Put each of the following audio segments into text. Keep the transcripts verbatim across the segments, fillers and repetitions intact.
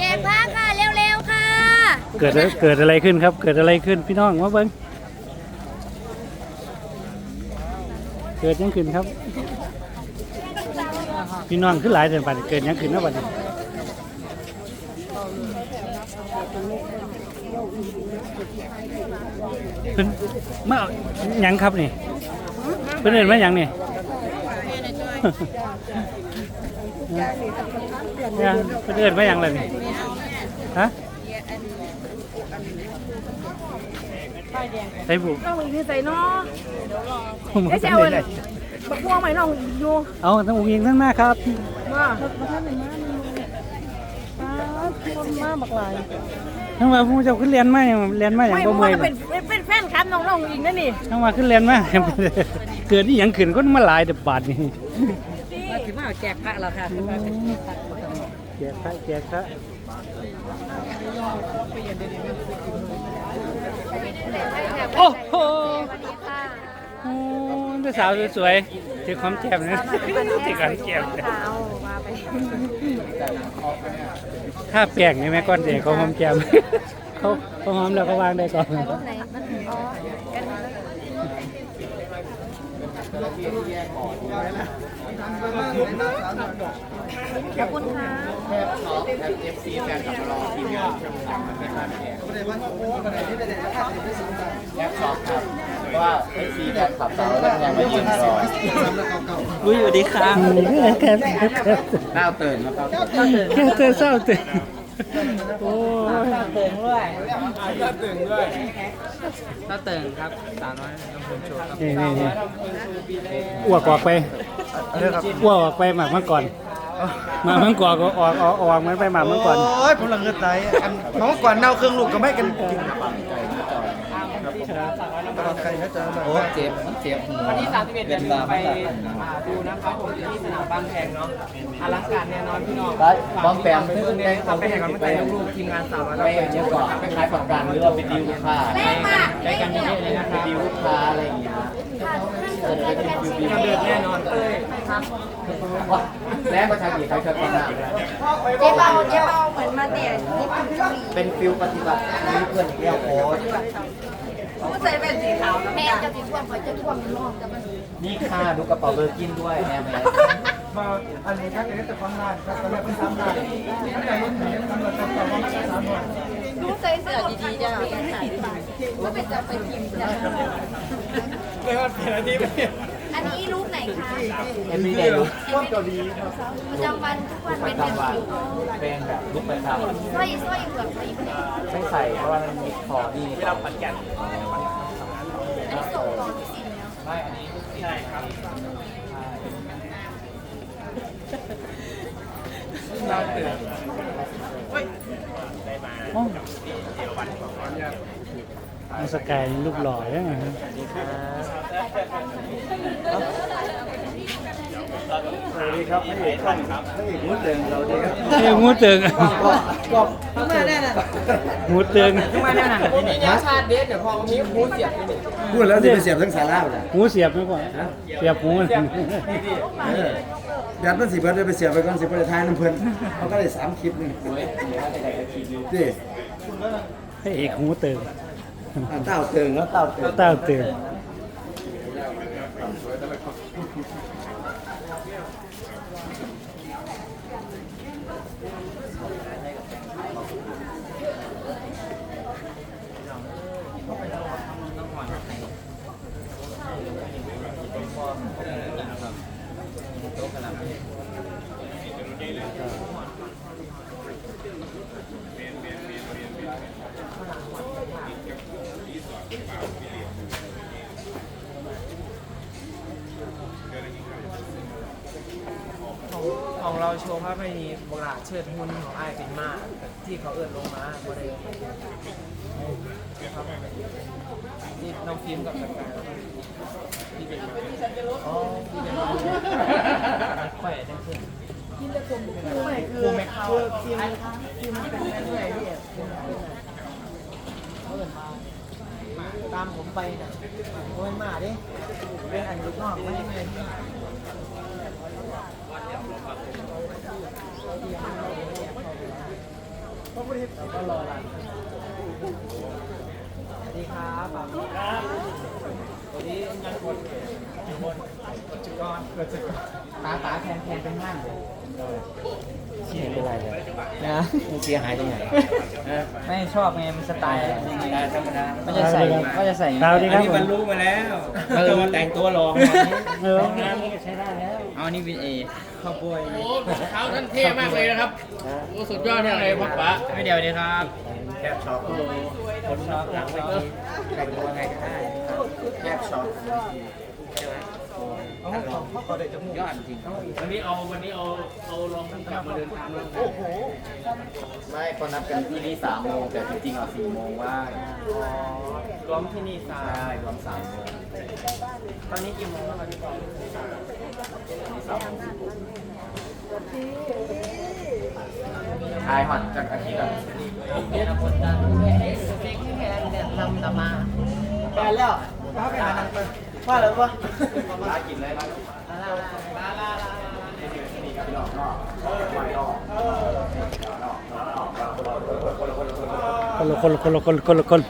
กผ้าค่ะเร็วๆค่ะเกิดเกิดอะไรขึ้นครับเกิดอะไรขึ้นพี่น้องมาเบิ้งเกิดยังขึ้นครับพี่น้องขึ้นหลายเดือนไปเกิดยังขึ้นนะบัดนี้เพิ่นมาหยังครับนี่เพิ่นเอิ้นมาหยังนี่เนี่ยเพิ่นเอิ้นมาหยังล่ะนี่ฮะใส่บุกน้องอีกใส่เนาะไม่ใช่เอาเลยบักม่วงไหมน้องอยู่เอาทั้งอุ้งยิงทั้งหน้าครับมามาท่านหนึ่งมามาคนมาบักลายทั้งว่าผู้เจ้าขึ้นเรียนมาอย่างเรียนมาอย่างบ่เมื่อยเป็นเป็นแฟนครับน้องน้องอีกนั่นนี่ทั้งว่าขึ้นเรียนมาเกิดที่ยังขึ้นก็มาหลายเดือบาทนี่มาถึงมาแจกพระแล้วค่ะแจกพระแจกพระโอ้โหโอ้ยสาวสวยๆที่ความแจ่มนะที่ความแจ่มถ้าแปลงนี่แม่ก้อนเด็กเขาหอมแจ่มเขาเขาหอมแล้วก็วางได้ก่อนขอบคุณค่ะแทบช็อปแทบเอฟซีแฟนกับรอทีมงานชมรมนะครับแทบช็อปครับเพราะว่าเอฟซีแฟนคลับเราแล้วยังไม่ยืนรออุ้ยสวัสดีครับหน้าเตื่นนะครับแค่เตื่นเศร้าตื่นโอ้ยเติ่งด้วยหน้าเตื่นด้วยถ้าเติ่งครับสาวน้อยลำพูนโชว์ครับนี่นี่นี่อ้วกออกไปอ้วกออกไปหมากมาก่อนมาเมื่อก่อนก็ออกออกออกมันไปหมากเมื่อก่อนโอ้ยผมหลังเกิดตายอันน้องก่อนเน่าเครื่องลูกก็ไม่กันกินโอ้เจ็บเจ็บหัววันที่สามสิบเอ็ดเดือนไปดูนะครับผมที่สนามบางแพงเนาะอลังการแน่นอนพี่น้องบอมแปมเพื่อนได้ทำไปแข่งกันไม่ไปลูกทีมงานสาวน้อยไปเยอะกว่าไปขายฝั่งกันหรือว่าไปดิวลูกค้าใช้กันเยอะเลยนะคไปรับดิวลูกค้าอะไรอย่างเงี้ยทำเดือดแน่นอนเลยครับแล้วประชาชนใครเคยฟังอ่ะเจ๊เบาเจ๊เบาเหมือนมาเตะญี่ปุ่นเกาหลีเป็นฟิลปฏิบัติมีเพื่อนอย่างเงี้ยโค้ชผู้ใส่เป็นสีขาวแม่จะสีท่วมเขาจะท่วมรอบจะมันนี่ค่ะดูกระเป๋าเบอร์กินด้วยแอมแมสมาอันนี้ถ้าเกิดจะฟังงานก็จะไม่เป็นซ้ำงานไม่ได้รุ่นไหนทำเราจะฟังว่าซ้ำงานดูใส่เสื้อดีๆจ้ะถ่ายดีก็เป็นจะไปพิมพ์จ้ะไม่ว่าเปลี่ยนอะไรไปอันนี้รูปไหนคะเอ็มวีเดย์ลุคต้นเกาหลีประจำวันทุกวันเป็นแบบเป็นแบบลุคประจำสร้อยสร้อยเผือกสร้อยแผลไม่ใส่เพราะว่ามันมีคอดีที่เราปัดแก่นอันนี้ส่งต่อที่สินแล้วไม่อันนี้ใช่ครับน่าตื่นมาสกายรูปหล่อยังไงครับสวัสดีครับพระเอกท่านครับพระเอกมูเติงเราดีครับเอ้งูเติงก็มาแน่น่ะงูเติงมาแน่น่ะทีนี้เนี่ยชาติเด็ดเดี๋ยวพอมีหูเสียบนี่พูดแล้วจะไปเสียบทั้งสาราเลยหูเสียบไม่พอเสียบหูยัดมันสิเพื่อนไปเสียบไปก่อนสิเพื่อนท้ายน้ำเพื่อนเขาก็ได้สามคลิปนี่ดิให้เอกหูเติงเต้าเติงแล้วเต้าเติงเต้าเติงของเราโชว์ภาพไม่มีโบราณเชิดหุ่นของไอ้เป็นมากที่เขาเอื้อนลงมาบริเวณนี่น้องฟิล์มกับสกายที่เป็นอ๋อที่เป็นแขวนได้ขึ้นไม่คือไม่คือฟิล์มฟิล์มเป็นเรื่อยๆพี่เขาเอื้อนมาตามผมไปเนี่ยโอ้ยมาดิเป็นอันยุคนอกไม่ไม่ก็รอรันสวัสดีครับสวัสดีครับวันนี้งานคนอยู่บนกดจุกรกดจุกรตาตาแทนแทนเป็นห้างเลยเสียเป็นไรเลยนะเสียหายตรงไหนไม่ชอบไงมันสไตล์ธรรมดาไม่จะใส่ก็จะใส่ครับสวัสดีครับมันรู้มาแล้วจะมาแต่งตัวรองเออใช้ได้แล้วเอานี่วินเอข้าวบวยโอ้เท้าท่านเท่มากเลยนะครับโอ้สุดยอดมากเลยพ่อป๋าไม่เดียวดีครับแคบช็อปคนชอบหลังเวทีแต่งตัวไงก็ได้แคบช็อปยอดจริงวันนี้เอาวันนี้เอาเอาลองทั้งกลับมาเดินทางโอ้โหไม่ก็นัดกันที่นี่สามโมงแต่จริงๆอ่ะสี่โมงว่างรวมที่นี่สาใช่รวมสามโมงตอนนี้กี่โมงแล้วครับพี่ปอทายหอดจากอาทิตย์ละเรียนคนดังเซ็กที่แทนเนี่ยนำตามาแทนแล้วว่าไปหาหนังว่าเลยว่าร้านกินเลยร้านลาลาลาลาลานี่ครับพี่น้องนอกไม่นอกคนละคนละคนละคนละคนละคน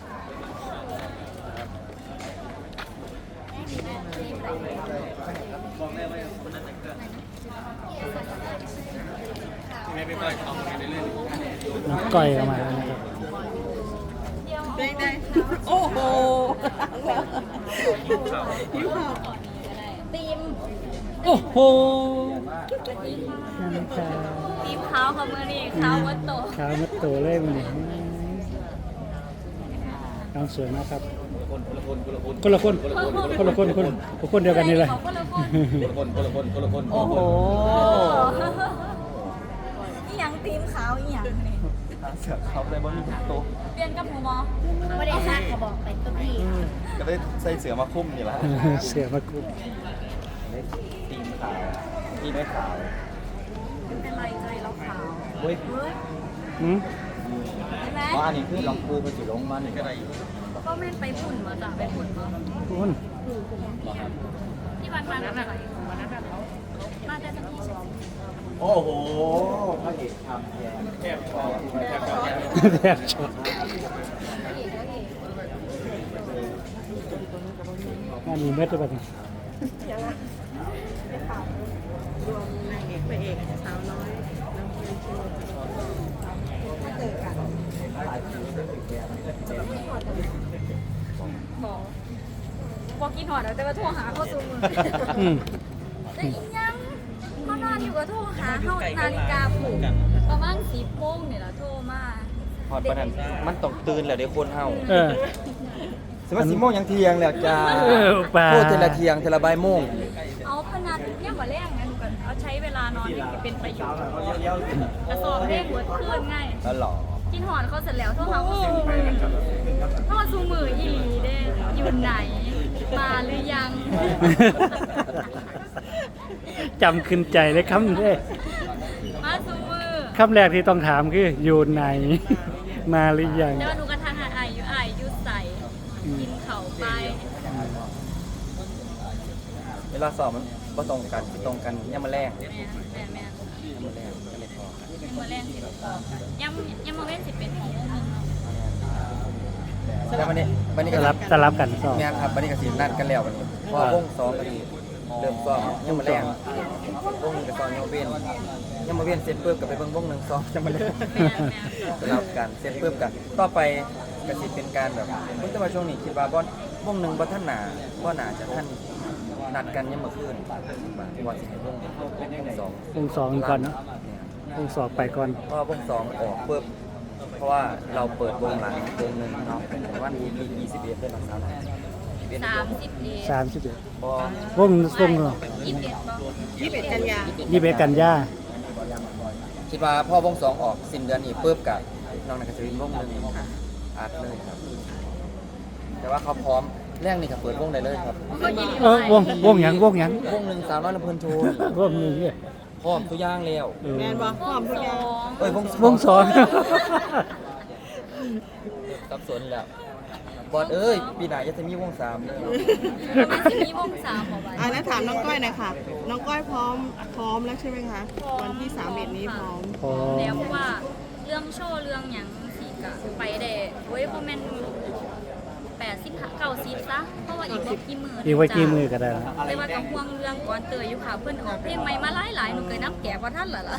ไม่ไปก่อยทำไปเรื่อยน้องก้อยเข้ามาแล้วนะครับได้ได้โอ้โหยิ้มหอมตีมโอ้โหตีมเขาเขามือนี่เขาวัดโตขาวมัดโตเลยมันนี่น้องสวยมากครับคนละคนคนละคนคนคนคนเดียวกันนี่เลยเขาคนละคนคนคนละคนคนละคนโอ้โหอีหยังตีมขาวอีหยังนี่เสือกเขาเลยบนโต๊ะเปลี่ยนกับหมูหมอไม่ได้ซักเขาบอกไปตัวพี่ก็ได้ใส่เสือมาคุ้มอยู่แล้วเสือมาคุมตีมขาวตีไม่ขาวเป็นไรใจเราขาวเฮ้ยเฮ้ยอืมใช่ไหมว่าอันนี้คือลองปูไปสิลงมันก็ได้ก็แม่นไปฝุ่นมาจ้ะไปฝุ่นมาคุณที่วันนั้นอะไรวันนั้นเขามาแต่ที่เฉยโอ้โหพระเอกทำแทนแคบช็อปแคบช็อปแทบช็อตงานมีเม็ดด้วยป่ะเนี่ยรวมนางเอกพระเอกสาวน้อยน้องเพลงโชว์ถ้าเจอกันบอกบอกกินหอดแต่ว่าโทรหาเขาซูมืออืมแต่อีหยังเขานอนอยู่กับโทรหาเขานาฬิกาปลุกประมาณสิบโมงเนี่ยละโทรมาพอดประนันมันต้องตื่นแล้วเดี๋ยวคนเฮาเออสมมติสิโมงยังเที่ยงแล้วจ้าเออป่าพูดเทละเที่ยงเทละบ่ายโมงเอาพนันเนี่ยมาแรงนะหนูกันเอาใช้เวลานอนให้เป็นประโยชน์กระสอบเร่งหัวคลื่นง่ายแล้วหรอกินหอนเขาเสร็จแล้วโทรหาเขาซูมือโทรซูมืออีหลีเด้อยู่ไหนมาหรือยังจำขึ้นใจเลยคำนี้มาซูมือคำแรกที่ต้องถามคืออยู่ไหน มาหรือยังแต่ว่าหนูกระทักหาไออยู่ไออยู่ใส่กินเข่าไปเวลาสอบมันบ่ตรงกันสิตรงกันยังมาแรงแม่แม่แม่ยังมาแรงก็เลยพอยังมาแรงสิบยังยังมาเว้นสิบเป็นของนึงแล้ววันนี้วันนี้จะก็รับจะรับกันสอบงานครับวันนี้ก็สินัดกันแล้ววันนี้เพราะว่าวงสองก็ดีเริ่มซ้อมยังมาแรงวงหนึงก็ซ้อมยังมาเวียนยังมาเวียนเสร็จปุ๊บก็ไปเบิ่งวงหนึงซ้อมยังมาแรงแม่แม่สลับกันเสร็จปุ๊บกันต่อไปก็สิเป็นการแบบผมจะมาช่วงนี้คิดว่าบ่วงหนึงบ่ทันหนาบ่หนาจะทันนัดกันยังมาคืนว่าสิให้วงวงสองวงสองก่อนเนาะวงสองไปก่อนเพราะว่าวงสองออกปุ๊บเพราะว่าเราเปิดวงหลังวงหนึ่งเนาะวันที่ยี่สิบเอ็ดเป็นหลังสาวหน่อยสามสิบเอ็ดสามสิบเอ็ดพอวงวงเนาะยี่สิบเอ็ดบอกยี่สิบเอ็ดกันยายี่สิบเอ็ดกันยาคิดว่าพอวงสองออกสิ้นเดือนนี้ปุ๊บกับน้องนักจะเป็นวงหนึ่งอัดเลยครับ แต่ว่าเขาพร้อมแรกนี่ก็เปิดวงได้เลยครับก็ยินดีเออวงวงหยังวงหยังวงหนึ่งสาวน้อยลำเพลินโชว์วงนี้เนี่ยพร้อมทุกอย่างแล้วเออแมนบอกพร้อมทุกสอย่างองเอ้ยวงวงสองสับสนแล้วบอดเอ้ยปีหน้าจะมีวงสามเลยมันจะมีวงสามของวันอ่าแล้วถามน้องก้อยหน่อยค่ะ น้องก้อยพร้อมพร้อมแล้วใช่ไหมคะ วันที่สามเอ็ดนี้พร้อมพอแล้วเพราะว่าเรื่องโชว์เรื่องไปได้เว้ยพอแม่นแปดสิบเก้าสิบซะเพราะว่าอีกบ่กี่มืออีกไว้กี่มือก็ได้นะแต่ว่ากับห่วงเรื่องก่อนเตยอยู่ค่ะเพิ่นออกเพลงใหม่มาหลายๆหนูเคยนับแก่กว่าท่านเหรอล่ะ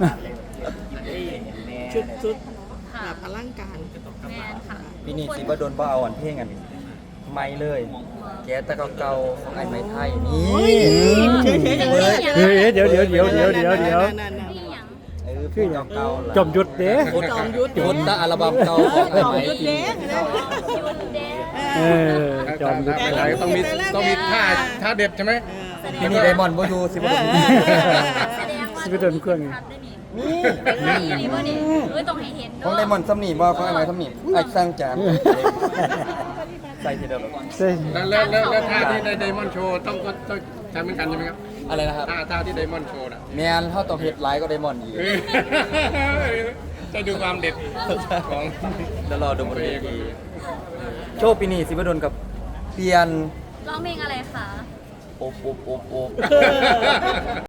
ชุดชุดแบค่ะบอลังการแม่นค่ะปีนี้สิบ่โดนบ่เอาอันเพลงอันไม่เลย แกแต่เก่าๆของไอ้ไม้ไทยนี่เฮ้ยเดี๋ยวเดี๋ยวเดี๋ยวเดี๋ยวเดี๋ยวเดี๋ยวนี่หยังเออเพลงเก่าๆจอมยุทธเด้จอมยุทธจุดตะอัลบั้มเก่าของไอ้จอมไม้ยุทธเด้นะยุนเด้เออจอมยุทธอะไรต้องมีต้องมีท่าท่าเด็ดใช่ไหมปีนี้ไดมอนด์บ่อยู่สิบ่โดนแสดงว่าสิไปโดนเครื่องอีกนี่นี่นี่บ่นี่เอ้ยต้องให้เห็นของไดมอนด์ซ้ำนี่บ่ของไอ้ไม้ซ้ำนี่ไอ้สร้างจานใส่ทีเดียวเลยเซ่แล้วแล้วแล้วแล้วท่าที่ในไดมอนด์โชว์ต้องก็ต้องทำเหมือนกันใช่ไหมครับอะไรนะครับท่าท่าที่ไดมอนด์โชว์น่ะแมนเฮาต้องเฮ็ดหลายก็ไดมอนด์อีกจะดูความเด็ดของเดี๋ยวรอดูบนเวทีโชว์ปีนี้สิบ่โดนกับเปลี่ยนร้องเพลงอะไรคะโอบโอบโอบโอบ